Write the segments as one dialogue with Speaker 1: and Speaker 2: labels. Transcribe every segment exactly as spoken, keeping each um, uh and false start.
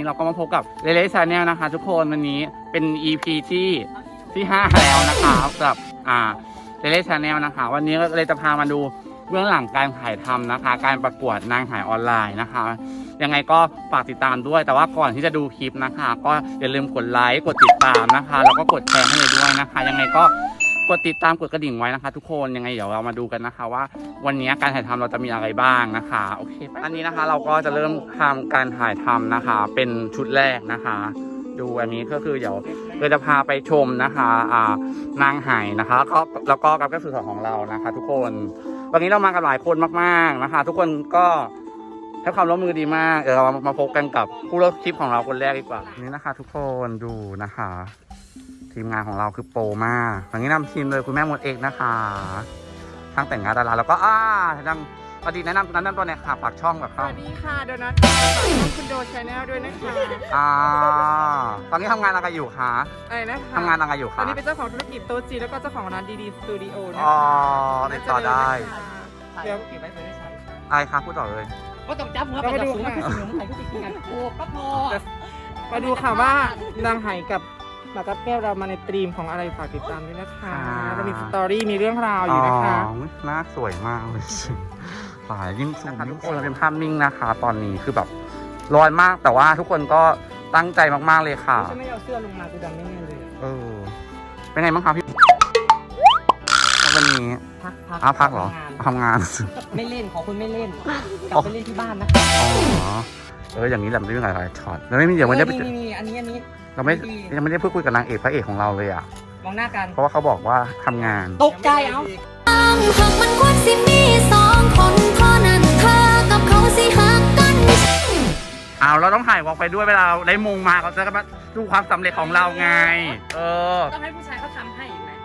Speaker 1: เราก็มาพบกับเรเลชาแนลนะคะทุกคนวันนี้เป็น อี พี ที่ที่ห้าแล้วนะคะกับอ่าเรเลชาแนลนะคะวันนี้เลยจะพามาดูเบื้องหลังการถ่ายทำนะคะการประกวดนางหายออนไลน์นะคะยังไงก็ฝากติดตามด้วยแต่ว่าก่อนที่จะดูคลิปนะคะก็อย่าลืมกดไลค์กดติดตามนะคะแล้วก็กดแชร์ให้เลยด้วยนะคะยังไงก็กดติดตามกดกระดิ่งไว้นะคะทุกคนยังไงเดี๋ยวเรามาดูกันนะคะว่าวันนี้การถ่ายทำเราจะมีอะไรบ้างนะคะโอเคอันนี้นะคะเราก็จะเริ่มทำการถ่ายทำนะคะเป็นชุดแรกนะคะดูอันนี้ก็คือเดี๋ยวเราจะพาไปชมนะคะอ่านางหายนะคะแล้วก็แล้วก็กับกระสือของเรานะคะทุกคนวันนี้เรามากันหลายคนมากๆนะคะทุกคนก็ให้ความร่วมมือดีมากเดี๋ยวเรามาพบกันกับผู้เลือกคลิปของเราคนแรกดีกว่านี่นะคะทุกคนดูนะคะทีมงานของเราคือโปรมากวันนี้นำทีมเลยคุณแม่มดเอกนะคะทั้งแต่งงานดาราแล้วก็อ่าดังสวัสดีแนะนำแนะนำตัวหน่อยค่ะฝากช่องแบบเขา
Speaker 2: สวัสดีค่ะโดนัทฝากช่องคุณโดชาแนลด้วยนะคะ
Speaker 1: อ่าตอนนี้ทำงานอะไรอยู่คะ
Speaker 2: อะไรนะคะ
Speaker 1: ทำงานอะไรอยู่
Speaker 2: ตอ
Speaker 1: คะ
Speaker 2: นนี้เป็นเจ้าของธุรกิจโต๊ะจีนแล้วก็เจ้าของร้านดีดีสตูดิโอนะคะ
Speaker 1: อ๋อติดต่อได้
Speaker 2: เดี๋ยว
Speaker 3: เก็บไว้เพื่อได้ใช้
Speaker 1: อะไรคะพูดต่อเลย
Speaker 3: ก็ต้องจับหัวไปจับสูงคือสูงใครก็ติดกันโอ้ก็พอ
Speaker 2: มาดูค่ะว่านางไหกับหมากับแก้วเรามาในตรีมของอะไรฝากติดตามด้วยนะคะเรามีสตอรี่มีเรื่องราวอยู่นะคะ
Speaker 1: อ๋อหน้าสวยมากเลยสายยิ่งสูงยิ่งคนเราเป็นภาพนิ่งนะคะ ตอนนี้คือแบบร้อนมากแต่ว่าทุกคนก็ตั้งใจมากๆเลยค่ะ
Speaker 2: ฉันไม่เอาเสื้อลงมาคือดำไม่แน่เลย
Speaker 1: เออเป็นไงบ้างคะพี่วันนี้
Speaker 3: พักพัก
Speaker 1: อ้าวพักเหรอทำงาน
Speaker 3: ไม่เล่นขอคุณไม่เล่นกลับไปเล่นที่บ้านนะ
Speaker 1: อ๋อเอออย่างนี้แหละมันไม่มีหลายช็อตแล้วไม่มีเดี๋ยวมันได้ไป
Speaker 3: นี่นี่อันนี้อันนี้
Speaker 1: เราไม่ยังไม่ได้พูดคุยกับนางเอกพระเอกของเราเลยอ่ะ
Speaker 3: มองหน้ากัน
Speaker 1: เพราะว่าเขาบอกว่าทำงาน
Speaker 3: ตกใจเอ้า
Speaker 4: หากมันควรสิมีสองคนเท่านั้นเธอกับเขาสิหักกัน
Speaker 1: เอาเราต้องถ่ายวอล์กไปด้วยเวลาเราได้มงมาเขาจะมาดูความสำเร็จของเราไง เออ
Speaker 3: ต้องให้ผู้ชายเขาทำให้อีกไหม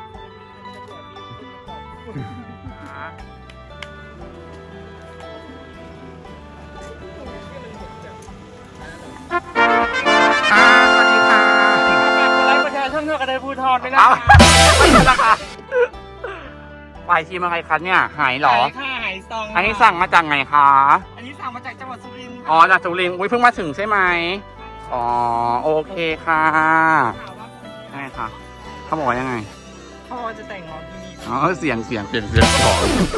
Speaker 1: อ่าสวัสดีค่ะ
Speaker 2: ไลฟ์ประชาชนเท่ากับได้พูทอนด้วยนะ
Speaker 1: เอาไม่ใช่ละค่ะฝ่ายทีมอะไรคะเนี่ยหายเหรอ
Speaker 2: ค่าหายซอง
Speaker 1: อันนี้สั่งมาจากไหนคะ
Speaker 2: อันนี้สั่งมาจากจังหวัดสุรินทร์
Speaker 1: อ๋อจากสุรินทร์อุ้ยเพิ่งมาถึงใช่ไหมอ๋อโอเคค่ะใช่ค่ะเขาบอกว่ายังไง
Speaker 2: พ่อจะแต่งงานที่นี่
Speaker 1: อ๋อเสียงเสียงเปลี่ยนเสียงสอง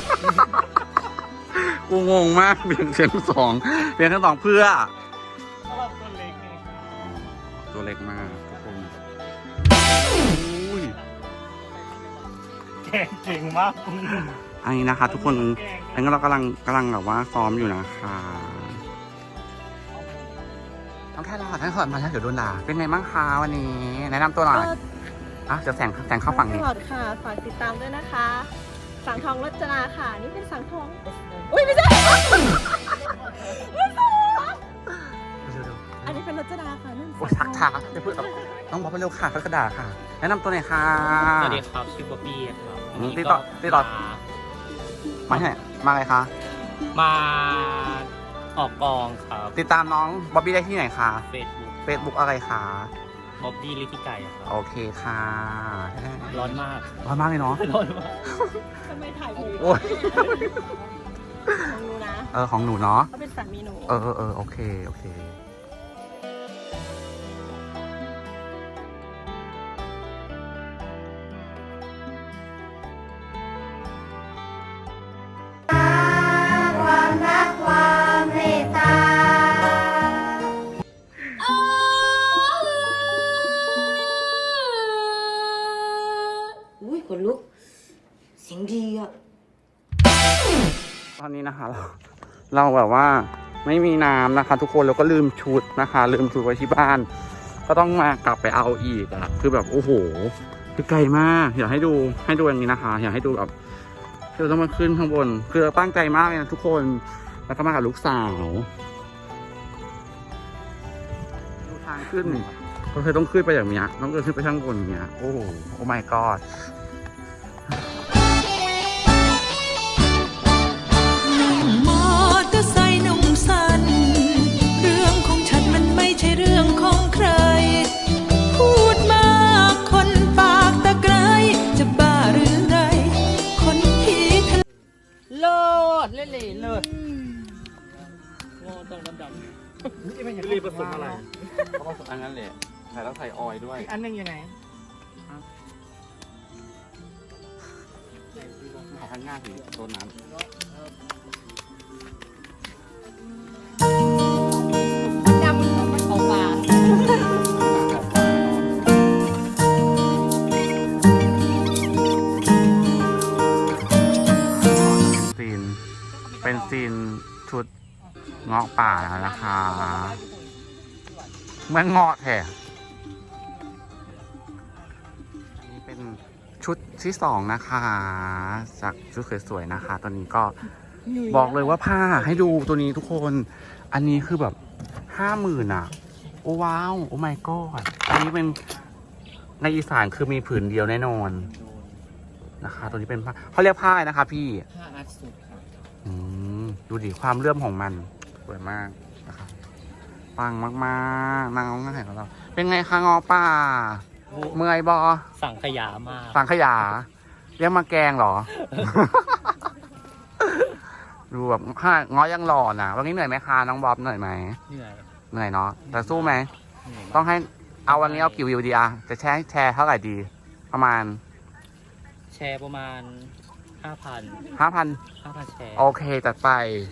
Speaker 1: กูงงมากเปลี่ยนเสียงสองเปลี่ยนทั้งสองเพื่อ
Speaker 2: เพราะว่าตัวเล็กไง
Speaker 1: ตัวเล็กมากทุกคนอุ้ย
Speaker 2: แก่เก่งมาก
Speaker 1: อันนี้นะคะ ทุกคนอันนี้เรากำลังกำลังแบบว่าซ้อมอยู่นะคะน้องแค่รอท่านขอมาแล้วเดี๋ยวโดนด่าเป็นไงบ้างคะวันนี้ แนะนำตัวหน่อยอ่ะเดี๋ยวแสงแสงเข้าฝั่งนี้
Speaker 5: ตลอดค่ะ ฝากติดตามด้วยนะคะ สังทองรจนาค่ะ นี่เป็นสังทอง อุ้ยไม่ใช่ อันนี้เป็นรจนาค่ะนั่น
Speaker 1: โอ้ยทักทาจะพูดแบบต้องบอกไปเร็วค่ะเขากระดาษค่ะ แนะนำตัวหน่อยค่ะ
Speaker 3: สวัสดีครับชื่อบ๊อบบี้ครับ
Speaker 1: อืมติดต่อติดต่อ มาที่ไหนมาอะไรคะ
Speaker 3: มาออกกองครับ
Speaker 1: ติดตามน้องบ๊อบบี้ได้ที่ไหนคะ
Speaker 3: เฟซบุ๊ก
Speaker 1: เฟซบุ๊กอะไรคะ
Speaker 3: บ๊อบบี้ลิทิไก่ครับ
Speaker 1: โอเคค่ะ
Speaker 3: ร้อนมาก
Speaker 1: ร้อนมากเลยเนาะ
Speaker 3: ร้อนมาก
Speaker 5: ทำไมถ่ายหนู
Speaker 1: โอ้ย
Speaker 5: ของหนูนะ
Speaker 1: เออของหนูเนาะ
Speaker 5: เขาเป็นสามีหนู
Speaker 1: เออเออเออโอเคโอเค
Speaker 4: อุ้ยขนลุกเสียงดีอ่ะ
Speaker 1: ตอนนี้นะคะเราเราแบบว่าไม่มีน้ำนะคะ ทุกคนแล้วก็ลืมชุดนะคะ ลืมชุดไว้ที่บ้าน ก็ต้องมากลับไปเอาอีกอะคือแบบโอ้โหคือไกลมากอยากให้ดูให้ดูอย่างนี้นะคะ อยากให้ดูแบบเราต้องมาขึ้นข้างบนคือเราตั้งใจมากเลยนะทุกคนแล้วก็มากับลูกสาวดูทางขึ้นก็เคยต้องขึ้นไปอย่างเนี้ยต้องเดินขึ้นไปข้างบนอย่างเนี้ยโอ้โหโอ้ my god
Speaker 6: มอเตอร์ไซค์นุ่งสั้นเรื่องของฉันมันไม่ใช่เรื่องของใคร พูดมากคนปากตะไคร้จะบ้าหรือไร คนที่ทะ
Speaker 3: เลิศเล่นเลยเลิศโง่ต้องดำดำ
Speaker 2: รีบผสมอะไร
Speaker 1: เขาบอกอันนั้นแหละใส่แล้วใส่ออยล์ด้วย
Speaker 2: อีกอันหนึงอยู่ไหน
Speaker 1: เอาข้างหน้าถึงตัวนั้น
Speaker 3: ดำมันออกมา
Speaker 1: ซีน เป็นซีนชุดเงาะป่าแล้วนะคะเหมือนเงาะแท้อันนี้เป็นชุดที่สองนะคะ จากชุดสวยๆนะคะ ตอนนี้ก็บอกเลยว่าผ้าให้ดูตัวนี้ทุกคน อันนี้คือแบบห้าหมื่นอ่ะ โอ้ว้าว โอ้ my god อันนี้เป็นในอีสานคือมีผืนเดียวแน่นอนนะคะ ตัวนี้เป็นผ้าเขาเรียกผ้าอะไรนะคะพี่
Speaker 3: ผ้าอาร์ตสุดครับ
Speaker 1: อืมดูดิความเลื่อมของมันสวยมากนะครับปังมากๆนางร้องง่ายของเรา เป็นไงคะงอป่าเมื่อยบอ
Speaker 3: สั่งขยามาก
Speaker 1: สังขยาเรียกมาแกงเหรอ ดูแบบห้างอยังหล่อนะวันนี้เหนื่อยไหมคะน้องบ๊อบเหนื่อยไหม
Speaker 3: เหนื่อย
Speaker 1: เหนื่อยเนาะแต่สู้ไหม
Speaker 3: เหนื่อย
Speaker 1: ต้องให้เอาวันนี้เอากี่วิวดีอะจะแชร์แชร์เท่าไหร่ดี ประมาณ
Speaker 3: แชร์ประมาณห้าพัน
Speaker 1: ห้าพัน
Speaker 3: ห้าพันแชร์
Speaker 1: โอเคจัดไป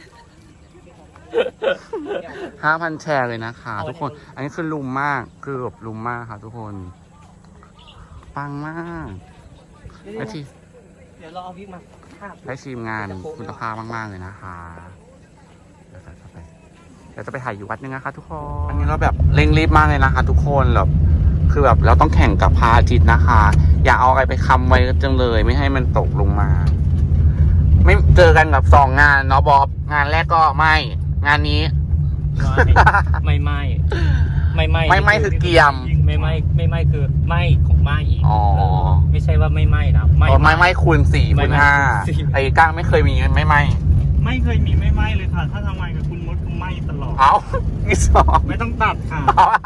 Speaker 1: ห้าพันแชร์เลยนะคะ ทุกคน อันนี้คือลุมมาก คือแบบลุมมากค่ะทุกคน ปังมากได้ที
Speaker 3: เดี๋ยวเราเอาพริกมาข้าม
Speaker 1: ได้ทีมงานคุณภาพมากๆเลยนะคะเดี๋ยวจะไปเดี๋ยวจะไปถ่ายอยู่วัดนึงนะคะทุกคน อันนี้เราแบบเร่งรีบมากเลยนะคะ ทุกคนแบบคือแบบเราต้องแข่งกับพระอาทิตย์นะคะ อย่าเอาอะไรไปค้ำไว้จังเลย ไม่ให้มันตกลงมา ไม่เจอกันกับสองงานเนาะบอบงานแรกก็ไม่ งานนี้
Speaker 3: ไม่ไม่ไม่ไม่
Speaker 1: ไม่ไม่คือเกียม
Speaker 3: ไม่ไม่ไม่ไม่คือไม่ของไม่อีก
Speaker 1: อ๋อ
Speaker 3: ไม่ใช่ว่าไม่ไม่นะ
Speaker 1: ไม่ไม่ไม่คูณสี่
Speaker 3: ไม่
Speaker 1: คูณ
Speaker 3: ไม่
Speaker 1: ห้า
Speaker 3: คูณสี่
Speaker 1: ไอ้ก้างไม่เคยมีไม่ไม่
Speaker 2: ไม่เคยมีไม่ไหมเลยค่ะ ถ้าทำงานกับคุณมดคือไหมตลอด
Speaker 1: เอาอีสอง
Speaker 2: ไม่ต้องตัดค่ะ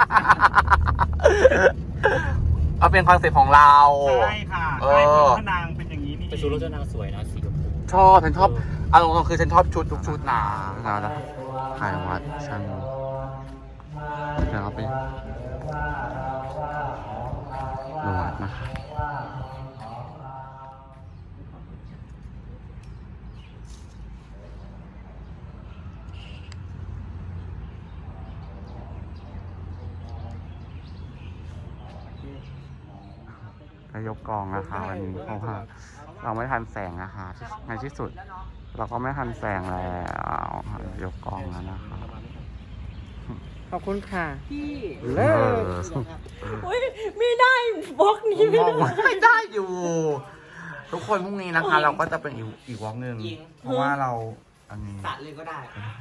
Speaker 1: เอาเป็นคอนเซ็ปต์ของเรา
Speaker 2: ใช่ค่ะ
Speaker 1: เอ
Speaker 2: ใช่
Speaker 1: อ
Speaker 2: พระนางเป็นอย่างนี้นี่
Speaker 3: แต่ชุดรถเจ้านางสวยนะสีชมพู
Speaker 1: ชอบฉันชอบเอาตรงๆคือฉันชอบชุดทุกชุดหนานะถ่ายวัดฉันเดี๋ยวเอาไปดูวัดนะคะก็ยกกองนะคะวันนี้เพราะว่าเราไม่ทันแสงนะคะในที่สุด เราก็ไม่ทันแสงแล้วยกกองแล้วนะคะ
Speaker 2: ขอบคุณค่ะ
Speaker 3: พี่
Speaker 2: เลิศ
Speaker 5: อุ้ยไม่ได้บล็อกนี้ไม่
Speaker 1: มอง
Speaker 5: ได้
Speaker 1: ไม่ได้อยู่ ทุกคนพรุ่งนี้นะคะ เราก็จะเป็นอีกอีกวอล์กหนึ่งเพราะว่าเราอันนี้
Speaker 3: ตัดเลยก็ได้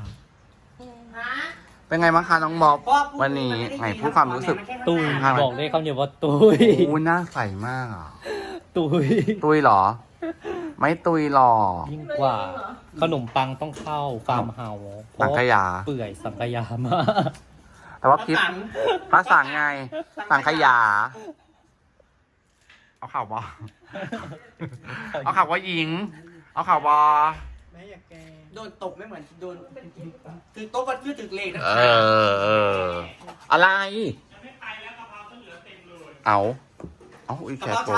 Speaker 1: เป็นไงบ้างคะน้องบ๊อบวันนี้ไหนพูดความรู้สึก
Speaker 3: ตุย
Speaker 1: ค่ะ
Speaker 3: บอกได้คำเดียวว่าตุย
Speaker 1: อู้หน้าใสมากอ่ะ
Speaker 3: ตุย
Speaker 1: ตุยเหรอ ไม่ตุยหรอก
Speaker 3: ยิ่งกว่า ขนมปังต้องเข้าฟาร์มเฮาส์เพ
Speaker 1: สัง
Speaker 3: ราะ
Speaker 1: ขยา
Speaker 3: เปื่อยสังขยามาก
Speaker 1: แต่ว่าคลิปภาษาไง สังขยา เอาข่าวบอเอาข่าวว่าหญิง เอาข่าวบอ
Speaker 2: ไม่อยากแก
Speaker 3: โดนตกไม่เหมือนโดนคือโต๊ะวัดชื่อตึกเลขนะ
Speaker 1: เออเออ อะไร เอา เอาอีกแค่โต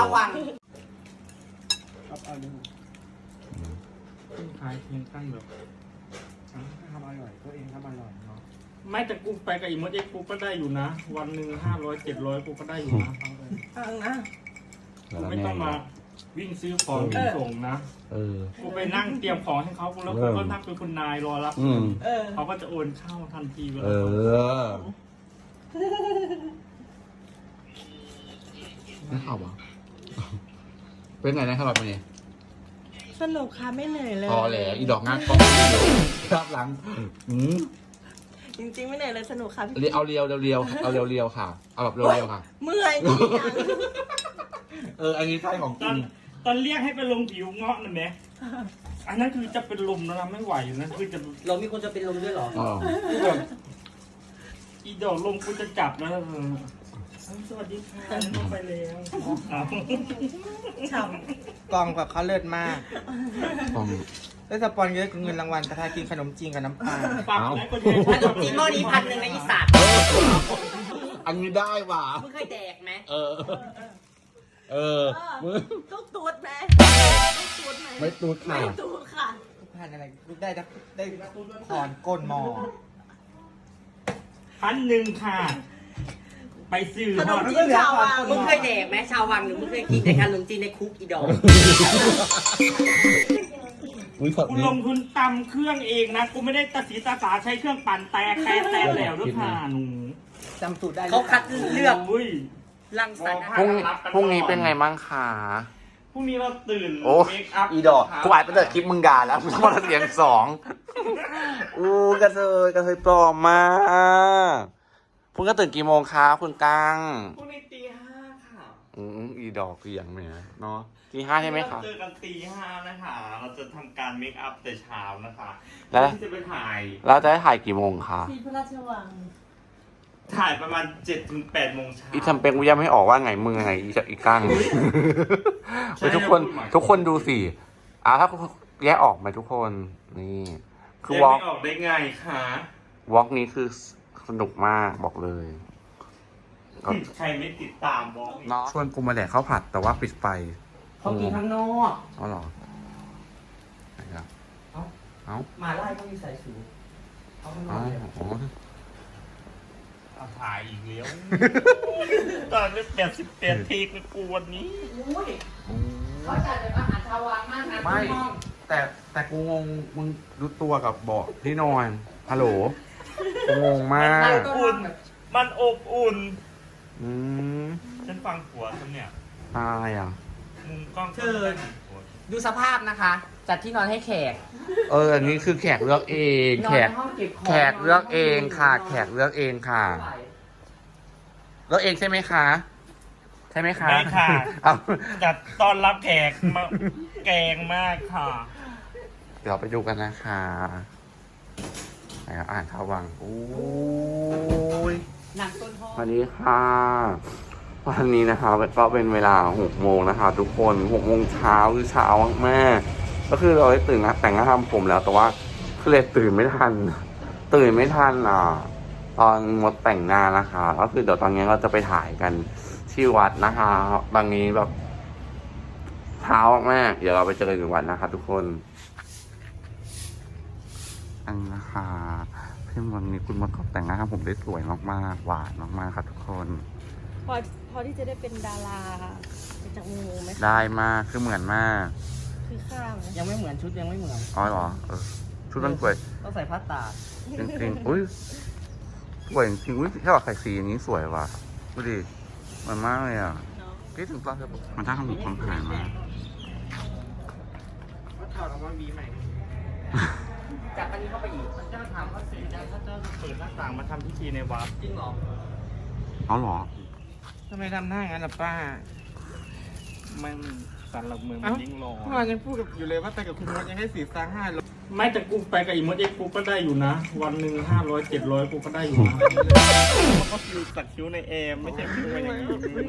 Speaker 2: ขายเพียงตั้งแบบทำอร่อยตัวเองทำอร่อยเนาะไม่แต่กูไปกับอีมดเอ็กกูก็ได้อยู่นะ วันหนึ่งห้าร้อยเจ็ดร้อยกูก็ได้อยู่นะฟังเลย
Speaker 5: ฟังนะ
Speaker 2: กูไม่ต้องมาวิ่งซื้อของวิ่งส่งนะ
Speaker 1: เออ
Speaker 2: กูไปนั่งเตรียมของให้เขาแล้วกูก็นักเป็นคุณนายรอรับ
Speaker 1: อืม
Speaker 5: เออ
Speaker 2: เขาก็จะโอนเข้าทันทีเวลา
Speaker 1: เออ ไม่ข่าวบอเป็นไงนะครับวันนี้
Speaker 5: สนุกค่ะไม่เหนื่อยเลย
Speaker 1: พอแล้วอีดอกงานกล้องครับหลังอืม
Speaker 5: จริงๆไม่เหนื่อยเลยสนุกค่ะพี่
Speaker 1: เรียวเอาเรียวเรียวๆเอาเรียวเรียวๆค่ะ เอาแบบเรียวเรียวๆค่ะ
Speaker 5: เมื่อยนี่ยัง
Speaker 1: เออ อันนี้ใช่ของ
Speaker 2: ต
Speaker 1: จ
Speaker 2: อน
Speaker 1: ริง
Speaker 2: ตอนเรียกให้ไปลงผิวเงาะนั่นแหละอันนั้นคือจะเป็นลมแล้วนะไม่ไหวนะคือจะ
Speaker 3: เรามีคนจะเป็นลมด้วยเหรอ
Speaker 1: อ๋อ
Speaker 2: แบบอีดอกลมกูจะจับแล้วเออสวัสดีค่ะลงไปแล้วอ้าว
Speaker 5: ฉ่ำ
Speaker 7: กองกับเขาเลิศมาก
Speaker 1: ต้อง
Speaker 7: ได้สปอนเยอะเงินรางวัลกระทากินขนมจีนกับน้ำปลา
Speaker 2: ฝาก
Speaker 1: เอา
Speaker 2: แล้วก็แชร์
Speaker 3: ขนมจีนหม้อนี้พันหนึ่งในอีสาน
Speaker 1: อันนี้ได้ว่ะ
Speaker 3: มึงเคยแดกไหม
Speaker 1: เออ เออมึง
Speaker 5: ลูกตูดไหมลูกตูดไหม
Speaker 1: ไม่ตูดค่ะ
Speaker 5: ไม่ตูดค่ะ
Speaker 7: ผ่านอะไรได้ได้ได้ถอนก้นหมอ
Speaker 2: พันหนึ่งค่ะ ไปซื้อ
Speaker 5: ขนมจีนชาววัง
Speaker 3: มึงเคยแดกไหมชาววังหรือมึงเคยกินแต่ขนมจีนในคุกอีดอก
Speaker 1: อุ้ยสด
Speaker 2: กู
Speaker 1: นี้
Speaker 2: ลงทุนตำเครื่องเองนะ กูไม่ได้ตัดสีตาสาใช้เครื่องปั่นแตกแตกแตกแล้วด้วยค่ะหนู
Speaker 7: จำสูตรได้
Speaker 3: เขาคัดเลือก
Speaker 2: อุ้ย
Speaker 3: รังสรรค์
Speaker 1: พรุ่งนี้พรุ่งนี้เป็นไงบ้างคะ
Speaker 2: พรุ่งนี้เราตื่น
Speaker 1: โอ้
Speaker 2: เมคอัพ
Speaker 1: อีดอกกูอ่านไปแต่คลิปมึงด่าแล้วมึงมาเสียงสองอู้กระเทยกระเทยปลอมมากพรุ่งก็ตื่นกี่โมงคะคุณกัง
Speaker 2: พรุ่งนี้ตีห้าค่ะ
Speaker 1: อืมอีดอกคืออย่างเนี้ยเนาะที่ห้าใช่ไหมคะ
Speaker 2: เราเจอกันตีห้านะคะ เราจะทำการเมคอัพแต่เช้านะคะ
Speaker 1: แล้ว
Speaker 2: ที่จะไปถ่าย
Speaker 1: เราจะได้ถ่ายกี่โมงคะ
Speaker 5: ที่พระราชวัง
Speaker 2: ถ่ายประมาณเจ็ดถึงแปดโมงเช้า
Speaker 1: อีทำเป็นกูยังไม่ออกว่าไงมึงไงอีอีกัง
Speaker 2: ใช่
Speaker 1: เฮ้ยทุกคน
Speaker 2: พูดใหม่
Speaker 1: ทุกคนดูสิอ่ะถ้าแยกออกไหมทุกคนนี่ คือ
Speaker 2: แยก
Speaker 1: วอล์ก
Speaker 2: ไม่ออกได้ไงคะ
Speaker 1: วอล์กนี้คือสนุกมากบอกเลยก็
Speaker 2: ใครไม่ติดตามบล็อกนี้
Speaker 1: ชวนกูมาแดกข้าวผัดแต่ว่าปิดไฟ
Speaker 3: เขากินข้างนอก
Speaker 1: อ๋อเหรอไหนครับ
Speaker 3: เอ้า
Speaker 1: เอ้า
Speaker 3: มาไล่ก็มีใส่สูทเขาข้างนอ
Speaker 1: อ๋อก
Speaker 3: เลย
Speaker 1: อ๋อ
Speaker 2: เอาถ่ายอีกแล้วตอนนี้แปดสิบแปดเทคเลยกูวันนี้
Speaker 3: อุ้ยเขาจัดเป็นอาหารชาววังมากนะ
Speaker 1: ไม่
Speaker 3: ข้างนอก
Speaker 1: แต่แต่กูงงมึงดูตัวกับเบาะที่นอนฮัลโหลกูงงมาก
Speaker 2: อุ่น มันอบอุ่น
Speaker 1: อืม
Speaker 2: ฉันฟังผัวฉันเนี่ย
Speaker 1: อะไรอ่ะ
Speaker 2: มุมกล้อง
Speaker 3: คือดูสภาพนะคะ จัดที่นอนให้แขก
Speaker 1: เออ อันนี้คือแขกเลือกเอง
Speaker 3: นอน
Speaker 1: แขก
Speaker 3: ในห้องเก็บของ
Speaker 1: แขกเลือกเองค่ะ แขกเลือกเองค่ะ เลือกเองใช่ไหมคะ ใช่ไหมคะ
Speaker 2: ไม่ค่ะ
Speaker 1: เอา
Speaker 2: จัดต้อนรับแขกมาแกงมากค่ะ
Speaker 1: เดี๋ยวไปดูกันนะคะไหนครับอ่านข่าววังโอ้ย
Speaker 3: หนังต้นหอม
Speaker 1: สวัสดีค่ะ วันนี้นะคะก็เป็นเวลาหกโมงนะคะ ทุกคนหกโมงเช้าคือเช้ามากๆก็คือเราได้ตื่นนะแต่งหน้าทำผมแล้ว แต่ว่าคือเลยตื่นไม่ทัน ตื่นไม่ทันอ่ะ ตอนหมดแต่งหน้านะคะ ก็คือเดี๋ยวตอนนี้เราจะไปถ่ายกันที่วัดนะคะบางนี้แบบเช้ามากๆเดี๋ยวเราไปเจอกันที่วัดนะคะ ทุกคนอันนี้นะคะพี่วันนี้คุณมดเขาแต่งหน้าทำผมได้สวยมากๆหวานมากๆครับทุกคน
Speaker 5: พอพอที่จะได้เป็นดาราจากงูไหมคะ
Speaker 1: ได้มากคือเหมือนมาก
Speaker 5: คือข้ามไหม
Speaker 3: ยังไม่เหมือนชุดยังไม่เหมือน
Speaker 1: อ๋อเหรอเออชุดมันสวย
Speaker 3: ต้องใส่ผ้าตาก
Speaker 1: จริงๆอุ้ยสวยจริงๆอุ้ยถ้าแบบใส่สีอย่างนี้สวยว่ะดูดิเหมันมากเลยอ่ะ
Speaker 5: เนาะ
Speaker 1: คิดถึงตอนเธอมันถ้าทำหนูความหายมาก
Speaker 7: ก็ถอดออกมาวีใหม่
Speaker 3: จากอันนี้เข้าไปอีก
Speaker 2: พระเจ้าถามพระศรีจันทร์พระเจ้าจะเปิดหน้าต่างมาทำพิธีในวัด
Speaker 3: จริงเหรอ
Speaker 1: เอาเหรอ
Speaker 7: ทำไมทำหน้างั้นล่ะป้า
Speaker 2: มันสันหลักเมืองมั
Speaker 7: เอ้า
Speaker 2: นยิ่งรอ
Speaker 7: เมื่อวานยังพูดกับอยู่เลยว่าแต่กับคุณมดยังให้สีสร้างห้าล
Speaker 2: ไม่แต่กูไปกับอีมดเอ็กกูก็ได้อยู่นะ วันหนึ่งห้าร้อยเจ็ดร้อยกูก็ได้อยู่นะก็คือตัดคิ้วในเอมไม่ใช่คิ้วมาอย่างนี้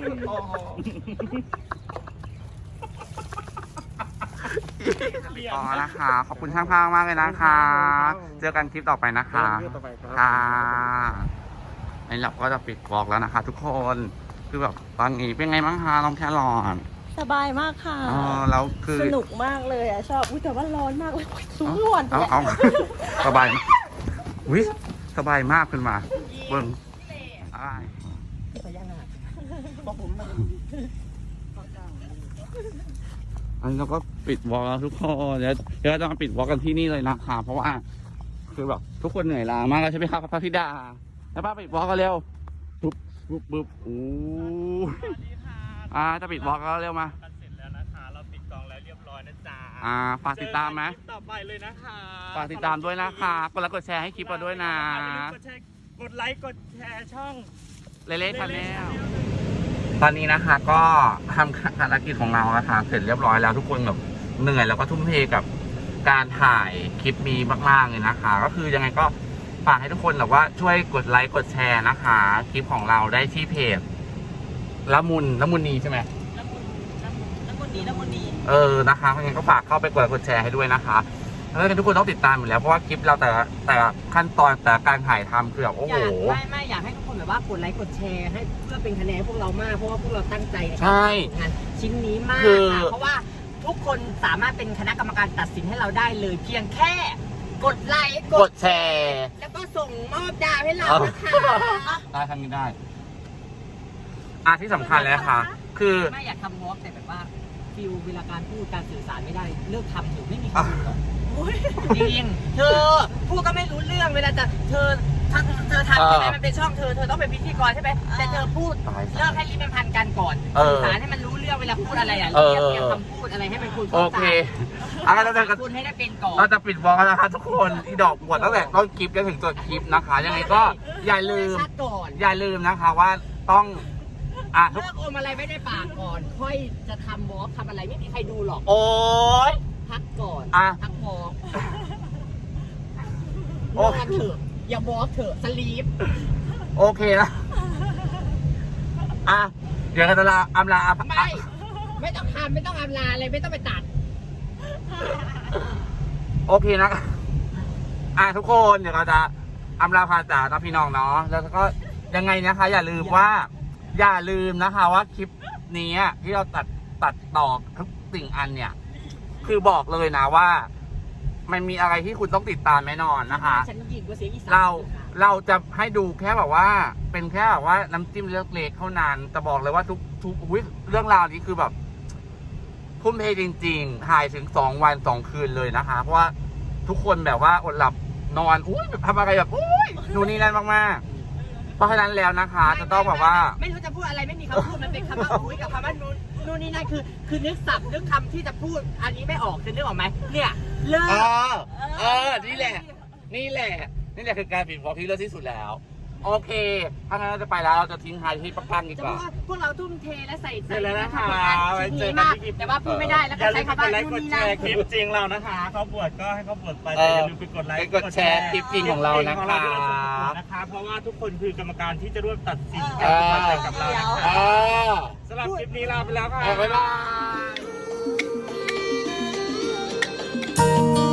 Speaker 1: อ๋อนะคะ ขอบคุณช่างภาพมากเลยนะคะ เจอกันคลิปต่อไปนะคะ
Speaker 7: ต่อไปครับ
Speaker 1: ค่ะไอ้เราก็จะปิดบล็อกแล้วนะคะ ทุกคน คือแบบตอนนี้เป็นไงบ้างคะน้องแครอน
Speaker 5: สบายมากค่ะ
Speaker 1: อ๋อแล้วคือ
Speaker 5: สนุกมากเลยอ่ะชอบอุ้ยแต่ว่าร้อนมากเลยสูงหวน
Speaker 1: เอาเอาสบายอุ้ยสบายมากขึ้นมาเบิ้งอะไร
Speaker 3: พญานาคบอกผมมา
Speaker 1: อันนี้เราก็ปิดวอล์กแล้วทุกคนเดี๋ยวเดี๋ยวเราจะมาปิดวอล์กกันที่นี่เลยนะคะเพราะว่า คือแบบทุกคนเหนื่อยล้ามากแล้วใช่ไหมครับพระธิดาแล้วป้าปิดวอล์กกันเร็วปุ๊บปุ๊บปุ๊บโอ้อ่าจะปิดวอล์กแล้วเร็วมา
Speaker 2: กันเสร็จแล้วนะคะ เราปิดกองแล้วเรียบร้อยนะจ๊ะ
Speaker 1: อ่าฝากติดตามไหม
Speaker 2: เจอกันคลิปต่อไปเลยนะคะ
Speaker 1: ฝากติดตามด้วยนะคะกดไลค์กดแชร์ให้คลิปเราด้วยนะ
Speaker 2: อย่าลืมกดแชร์กดไลค์กดแชร์ช่อง
Speaker 1: เลเล่ชาแนลตอนนี้นะคะก็ทำภารกิจของเรานะคะเสร็จเรียบร้อยแล้วทุกคนแบบเหนื่อยแล้วก็ทุ่มเทกับการถ่ายคลิปนี้มากๆเลยนะคะ ก็คือยังไงก็ฝากให้ทุกคนแบบว่าช่วยกดไลค์กดแชร์นะคะ คลิปของเราได้ที่เพจละมุนละมุนนีใช่ไหม
Speaker 5: แล้วคนนี้แล้วคนนี้
Speaker 1: เออนะคะยังไงก็ฝากเข้าไปกดไลค์กดแชร์ให้ด้วยนะคะแล้วกันทุกคนต้องติดตามอยู่แล้วเพราะว่าคลิปเราแต่ละแต่ละขั้นตอนแต่ละการถ่ายทำคือแบบโอ้
Speaker 3: อ
Speaker 1: โห
Speaker 3: ยากไม่ไม่อยากให้ทุกคนแบบว่ากดไลค์กดแชร์ให้เพื่อเป็นคะแนนให้พวกเรามากเพราะว่าพวกเราตั้งใจในการ
Speaker 1: ใช่
Speaker 3: ทำงานชิ้นนี้มาก
Speaker 1: คือ
Speaker 3: ค่ะเพราะว่าทุกคนสามารถเป็นคณะกรรมการตัดสินให้เราได้เลย เพียงแค่กดไลค์
Speaker 1: กดแชร์
Speaker 3: แล้วก็ส่งมอบดาวให้เรานะคะ
Speaker 1: ได้ทำนี้ได้อ่ะที่สำคัญเลยนะคะคือ
Speaker 3: ไม่อยากทำวอล์กแต่แบบว่าฟิลเวลาการพูดการสื่อสารไม่ได้เลิกทำอยู่ไม่มีคนดูหรอกจริงเธอพูดก็ไม่รู้เรื่องเวลาจะเธอถ้าเธอทำใช่ไหมมันเป็นช่องเธอเธอต้องเป็นพิธีกรใช่ไหมแต่เธอพูด
Speaker 1: ตาย
Speaker 3: เลิกให้ลิ้นมันพันกันก่อน
Speaker 1: เออ
Speaker 3: สื่อสารให้มันรู้เรื่องเวลาพูดอะไรอ่ะ
Speaker 1: เออ
Speaker 3: เรียกเรียงคำพูดอะไรให้มันคุย
Speaker 1: โอเคอ่ะเราจะ
Speaker 3: พูดให้ได้เป็นก่อน
Speaker 1: เราจะปิดวอลกันนะคะทุกคนที่ดอกบวชตั้งแต่ต้นคลิปจนถึงตัวคลิปนะคะ ยังไงก็อย่าลืม
Speaker 3: ชัดก่อน
Speaker 1: อย่าลืมนะคะว่าต้องอ่ะทุก
Speaker 3: เลิกอมอะไรไม่ได้ปากก่อน ค่อยจะทำวอล์กทำอะไรไม่มีใครดูหรอก
Speaker 1: โอ้ย
Speaker 3: พักก่อน
Speaker 1: อ่ะ
Speaker 3: พักวอล์ก
Speaker 1: โอ้
Speaker 3: นอนเถอะอย่าวอล์กเถอะสลีป
Speaker 1: โอเคนะอ่ะเดี๋ยวเราจะลาอำลาอ่ะ
Speaker 3: ไม่ไม่ต้องทำไม่ต้องอำลาอะไรไม่ต้องไปตัด
Speaker 1: โอเคนะอ่ะทุกคนเดี๋ยวเราจะอำลาพาจากนะพี่น้องเนาะแล้วก็ยังไงนะคะ อย่าลืมว่า อย่าลืมนะคะว่าคลิปนี้ที่เราตัดตัดต่อทุกสิ่งอันเนี่ย คือบอกเลยนะว่า มันมีอะไรที่คุณต้องติดตามแน่นอนนะคะ
Speaker 3: ฉันยิงกว่าเสียงอีสาน
Speaker 1: เราเราจะให้ดูแค่แบบว่า เป็นแค่แบบว่าน้ำจิ้มเล็กๆเท่านั้นแต่บอกเลยว่าทุกทุกอุ๊ยเรื่องราวนี้คือแบบทุ่มเทจริงๆถ่ายถึงสองวันสองคืนเลยนะคะ เพราะว่าทุกคนแบบว่าอดหลับนอนอุ้ยทำอะไรแบบอุ้ยนู่นนี่นั่นมากๆเพราะฉะนั้นแล้วนะคะ จะต้องแบบว่า
Speaker 3: ไม่รู้จะพูดอะไรไม่มีคำพูดมันเป็นคำว่าอุ้ยกับคำว่านู่นนู่นนี่นั่นคือ คือนึกศัพท์นึกคำที่จะพูดอันนี้ไม่ออกจะนึกออกไหมเนี่ยเลิ
Speaker 1: เอก อ เออ นี่แหละ นี่แหละ นี่แหละคือการปิดวอล์กที่เลิศที่สุดแล้ว โอเค ถ้างั้นเราจะไปแล้ว เราจะทิ้งท้ายที่ปังๆดี
Speaker 3: จะ
Speaker 1: ก
Speaker 3: พู
Speaker 1: ว่า
Speaker 3: ดว่าพวกเราทุ่มเทและใส่ใจ
Speaker 2: เสร็จแล้วนะคะ
Speaker 3: ใชิ้นนี้มากแต่ว่าพูดไม่ได้แล้ว
Speaker 2: อ
Speaker 3: ก็
Speaker 2: ย่าลื
Speaker 3: ใช้
Speaker 2: มไป
Speaker 3: คำ
Speaker 2: ก
Speaker 3: ว่า
Speaker 2: ดไลค์
Speaker 3: นู่
Speaker 2: ก
Speaker 3: น
Speaker 2: ด
Speaker 3: นี่
Speaker 2: แช
Speaker 3: นั่น
Speaker 2: ร์คลิปจริงเรานะคะเขาบวชก็ให้เขาบวชไป
Speaker 1: เอ
Speaker 2: แต่
Speaker 1: อ
Speaker 2: อย่าลืมไปกดไลค์
Speaker 1: ไปกดแชร์คลิปจริงของเรานะคะ
Speaker 2: คลิปจริงของเราที่เราส่งประกวดนะคะ เพราะว่าทุกคนคือกรรมการที่จะร่วมตัดสิน
Speaker 1: เอ
Speaker 2: การ
Speaker 1: อ
Speaker 2: ประกวดกับเรานะ
Speaker 1: เอ
Speaker 2: คะ
Speaker 1: อ
Speaker 2: สำหรับคลิปนี้ลาไปแล้วค่ะ
Speaker 1: บ๊ายบาย